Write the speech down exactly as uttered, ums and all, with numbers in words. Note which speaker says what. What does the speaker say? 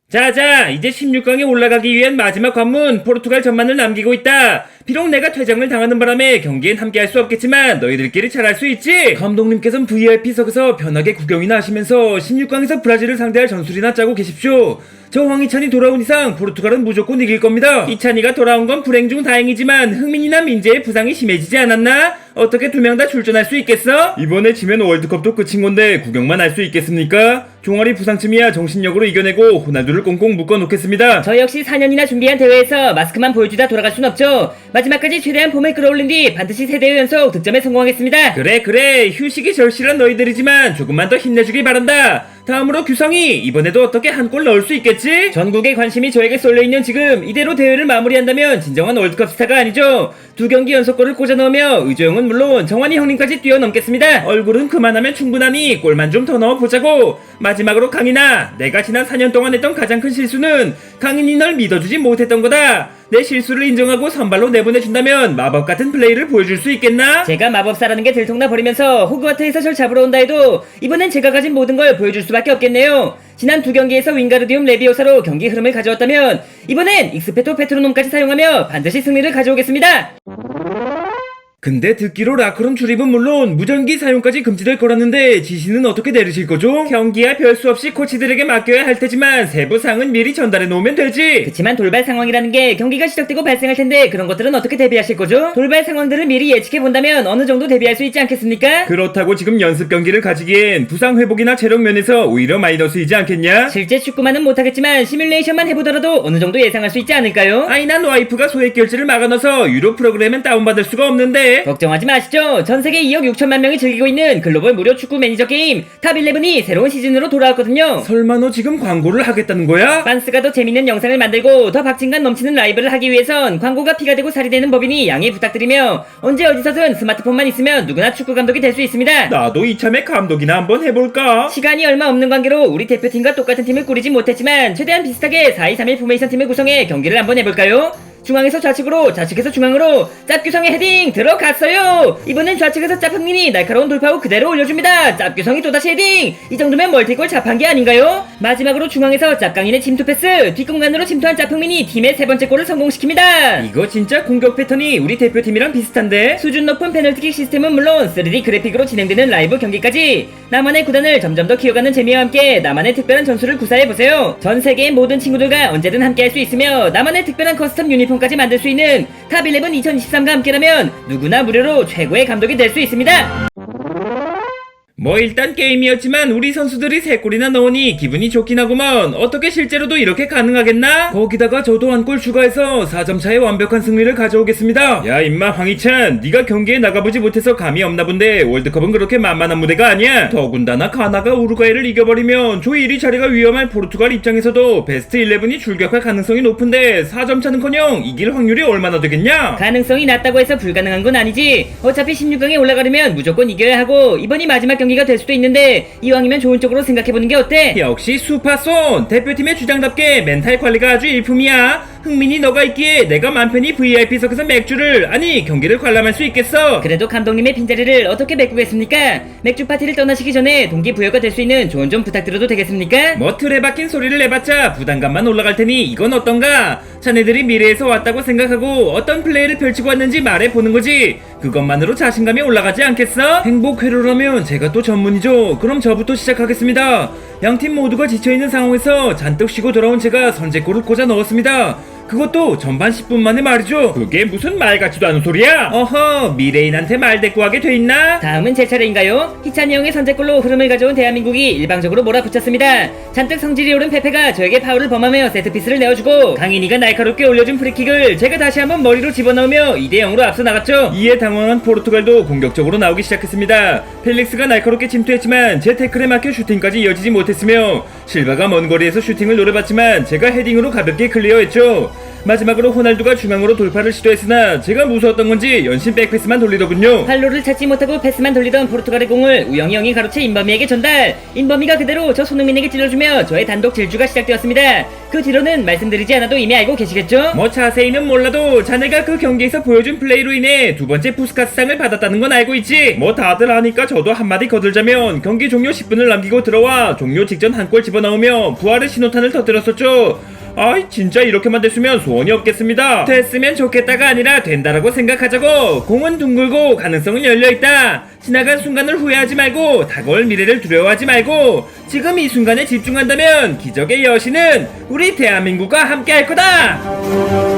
Speaker 1: 자자, 이제 십육 강에 올라가기 위한 마지막 관문 포르투갈 전만을 남기고 있다. 비록 내가 퇴장을 당하는 바람에 경기엔 함께할 수 없겠지만 너희들끼리 잘할 수 있지. 감독님께서는 브이아이피석에서 편하게 구경이나 하시면서 십육 강에서 브라질을 상대할 전술이나 짜고 계십시오. 저 황희찬이 돌아온 이상 포르투갈은 무조건 이길 겁니다. 이찬이가 돌아온 건 불행 중 다행이지만 흥민이나 민재의 부상이 심해지지 않았나? 어떻게 두 명 다 출전할 수 있겠어? 이번에 지면 월드컵도 끝인 건데 구경만 할 수 있겠습니까? 종아리 부상쯤이야 정신력으로 이겨내고 호날두를 꽁꽁 묶어놓겠습니다.
Speaker 2: 저 역시 사 년이나 준비한 대회에서 마스크만 보여주다 돌아갈 순 없죠. 마지막까지 최대한 폼을 끌어올린 뒤 반드시 세 대회 연속 득점에 성공하겠습니다.
Speaker 1: 그래 그래, 휴식이 절실한 너희들이지만 조금만 더 힘내주길 바란다. 다음으로 규성이 이번에도 어떻게 한 골 넣을 수 있겠지? 전국의 관심이 저에게 쏠려있는 지금 이대로 대회를 마무리한다면 진정한 월드컵 스타가 아니죠. 두 경기 연속골을 꽂아 넣으며 의조영은 물론 정환이 형님까지 뛰어넘겠습니다. 얼굴은 그만하면 충분하니 골만 좀 더 넣어보자고. 마지막으로 강인아, 내가 지난 사 년 동안 했던 가장 큰 실수는 강인이 널 믿어주지 못했던 거다. 내 실수를 인정하고 선발로 내보내준다면 마법 같은 플레이를 보여줄 수 있겠나?
Speaker 2: 제가 마법사라는 게 들통나 버리면서 호그와트에서 절 잡으러 온다 해도 이번엔 제가 가진 모든 걸 보여줄 수밖에 없겠네요. 지난 두 경기에서 윙가르디움 레비오사로 경기 흐름을 가져왔다면 이번엔 익스페토 페트로놈까지 사용하며 반드시 승리를 가져오겠습니다.
Speaker 1: 근데 듣기로 라크론 출입은 물론 무전기 사용까지 금지될 거라는데 지시는 어떻게 내리실 거죠? 경기야 별 수 없이 코치들에게 맡겨야 할 테지만 세부 사항은 미리 전달해 놓으면 되지.
Speaker 2: 그치만 돌발 상황이라는 게 경기가 시작되고 발생할 텐데 그런 것들은 어떻게 대비하실 거죠? 돌발 상황들을 미리 예측해 본다면 어느 정도 대비할 수 있지 않겠습니까?
Speaker 1: 그렇다고 지금 연습 경기를 가지기엔 부상 회복이나 체력 면에서 오히려 마이너스이지 않겠냐?
Speaker 2: 실제 축구만은 못하겠지만 시뮬레이션만 해보더라도 어느 정도 예상할 수 있지 않을까요?
Speaker 1: 아니 난 와이프가 소액 결제를 막아놔서 유료 프로그램은 다운받을 수가 없는데.
Speaker 2: 걱정하지 마시죠. 전세계 이억 육천만 명이 즐기고 있는 글로벌 무료 축구 매니저 게임 탑일레븐이 새로운 시즌으로 돌아왔거든요.
Speaker 1: 설마 너 지금 광고를 하겠다는 거야?
Speaker 2: 빤스가 더 재밌는 영상을 만들고 더 박진감 넘치는 라이브를 하기 위해선 광고가 피가 되고 살이 되는 법이니 양해 부탁드리며 언제 어디서든 스마트폰만 있으면 누구나 축구 감독이 될 수 있습니다.
Speaker 1: 나도 이참에 감독이나 한번 해볼까?
Speaker 2: 시간이 얼마 없는 관계로 우리 대표팀과 똑같은 팀을 꾸리지 못했지만 최대한 비슷하게 사 이 삼 일 포메이션 팀을 구성해 경기를 한번 해볼까요? 중앙에서 좌측으로, 좌측에서 중앙으로 짭규성의 헤딩 들어갔어요. 이번엔 좌측에서 짭흥민이 날카로운 돌파 후 그대로 올려줍니다. 짭규성이 또다시 헤딩. 이 정도면 멀티골 잡한게 아닌가요? 마지막으로 중앙에서 짭강인의 침투 패스, 뒷공간으로 침투한 짭흥민이 팀의 세 번째 골을 성공시킵니다.
Speaker 1: 이거 진짜 공격 패턴이 우리 대표팀이랑 비슷한데?
Speaker 2: 수준 높은 페널티킥 시스템은 물론 쓰리디 그래픽으로 진행되는 라이브 경기까지 나만의 구단을 점점 더 키워가는 재미와 함께 나만의 특별한 전술을 구사해보세요. 전 세계의 모든 친구들과 언제든 함께할 수 있으며 나만의 특별한 커스텀 유니폼까지 만들 수 있는 탑일레븐 이천이십삼과 함께라면 누구나 무료로 최고의 감독이 될 수 있습니다.
Speaker 1: 뭐 일단 게임이었지만 우리 선수들이 세 골이나 넣으니 기분이 좋긴 하구먼. 어떻게 실제로도 이렇게 가능하겠나? 거기다가 저도 한 골 추가해서 사 점 차의 완벽한 승리를 가져오겠습니다. 야 임마 황희찬, 네가 경기에 나가보지 못해서 감이 없나 본데 월드컵은 그렇게 만만한 무대가 아니야. 더군다나 가나가 우루과이를 이겨버리면 조 일 위 자리가 위험할 포르투갈 입장에서도 베스트 십일이 출격할 가능성이 높은데 사 점 차는커녕 이길 확률이 얼마나 되겠냐?
Speaker 2: 가능성이 낮다고 해서 불가능한 건 아니지. 어차피 십육 강에 올라가려면 무조건 이겨야 하고 이번이 마지막 경기가 될 수도 있는데 이왕이면 좋은 쪽으로 생각해보는 게 어때?
Speaker 1: 역시 수파손 대표팀의 주장답게 멘탈 관리가 아주 일품이야. 흥민이 너가 있기에 내가 맘 편히 브이아이피석에서 맥주를 아니 경기를 관람할 수 있겠어.
Speaker 2: 그래도 감독님의 빈자리를 어떻게 메꾸겠습니까? 맥주 파티를 떠나시기 전에 동기부여가 될 수 있는 조언 좀 부탁드려도 되겠습니까?
Speaker 1: 뭐 틀에 박힌 소리를 내봤자 부담감만 올라갈 테니 이건 어떤가? 자네들이 미래에서 왔다고 생각하고 어떤 플레이를 펼치고 왔는지 말해보는 거지. 그것만으로 자신감이 올라가지 않겠어? 행복 회로라면 제가 또 전문이죠. 그럼 저부터 시작하겠습니다. 양팀 모두가 지쳐있는 상황에서 잔뜩 쉬고 돌아온 제가 선제골을 꽂아 넣었습니다. 그것도 전반 십 분 만에 말이죠. 그게 무슨 말 같지도 않은 소리야? 어허, 미래인한테 말 대꾸하게 돼있나?
Speaker 2: 다음은 제 차례인가요? 희찬이 형의 선제골로 흐름을 가져온 대한민국이 일방적으로 몰아붙였습니다. 잔뜩 성질이 오른 페페가 저에게 파울을 범하며 세트피스를 내어주고 강인이가 날카롭게 올려준 프리킥을 제가 다시 한번 머리로 집어넣으며 이 대 영으로 앞서 나갔죠. 이에 당황한 포르투갈도 공격적으로 나오기 시작했습니다. 펠릭스가 날카롭게 침투했지만 제 태클에 막혀 슈팅까지 이어지지 못했으며 실바가 먼 거리에서 슈팅을 노려봤지만 제가 헤딩으로 가볍게 클리어했죠.
Speaker 1: 마지막으로 호날두가 중앙으로 돌파를 시도했으나 제가 무서웠던 건지 연신 백패스만 돌리더군요.
Speaker 2: 활로를 찾지 못하고 패스만 돌리던 포르투갈의 공을 우영이 형이 가로채 임범이에게 전달. 임범이가 그대로 저 손흥민에게 찔러주며 저의 단독 질주가 시작되었습니다. 그 뒤로는 말씀드리지 않아도 이미 알고 계시겠죠?
Speaker 1: 뭐 자세히는 몰라도 자네가 그 경기에서 보여준 플레이로 인해 두 번째 푸스카스상을 받았다는 건 알고 있지. 뭐 다들 아니까 저도 한마디 거들자면 경기 종료 십 분을 남기고 들어와 종료 직전 한 골 집어넣으며 부활의 신호탄을 터뜨렸었죠. 아이 진짜 이렇게만 됐으면 소원이 없겠습니다. 됐으면 좋겠다가 아니라 된다라고 생각하자고. 공은 둥글고 가능성은 열려있다. 지나간 순간을 후회하지 말고 다가올 미래를 두려워하지 말고 지금 이 순간에 집중한다면 기적의 여신은 우리 대한민국과 함께 할 거다.